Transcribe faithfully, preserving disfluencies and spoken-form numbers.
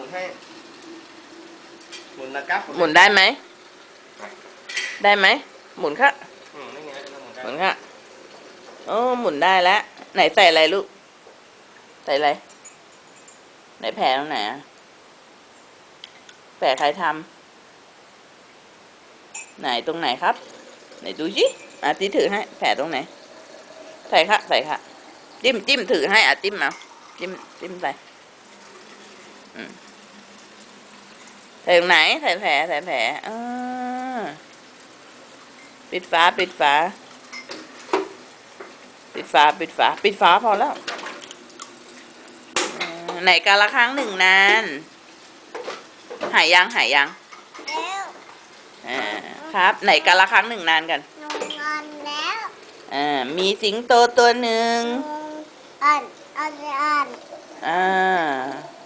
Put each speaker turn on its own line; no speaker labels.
ให้หมุนนะครับ
หมุนได้ไหมได้ไหมหมุนค่ะ
อืมนี่ไงเริ่มหมุนได้
หมุนค่ะโอ้หมุนได้แล้วไหนใส่อะไรลูกใส่อะไรไหนแผลตรงไหนอะแผลใครทำไหนตรงไหนครับไหนดูสิอาทิถือให้แผลตรงไหนใส่ค่ะใส่ค่ะจิ้มจิ้มถือให้อาจิ้มเอาจิ้มจิ้มใส่อืมใส่ตรงไหนใส่แผลใส่แผลอ่าปิดฝาปิดฝาปิดฝาปิดฝาปิดฝาพอแล้วไหนกาละครั้งหนึ่งนานหายยังหายยัง
แล้ว
อ่าครับไหนกาละครั้งหนึ่งนานกัน
นอนนอนแล้ว
อ่ามีสิงโตตัวหนึ่ง
อ่านอ่านอ่าน
อ่า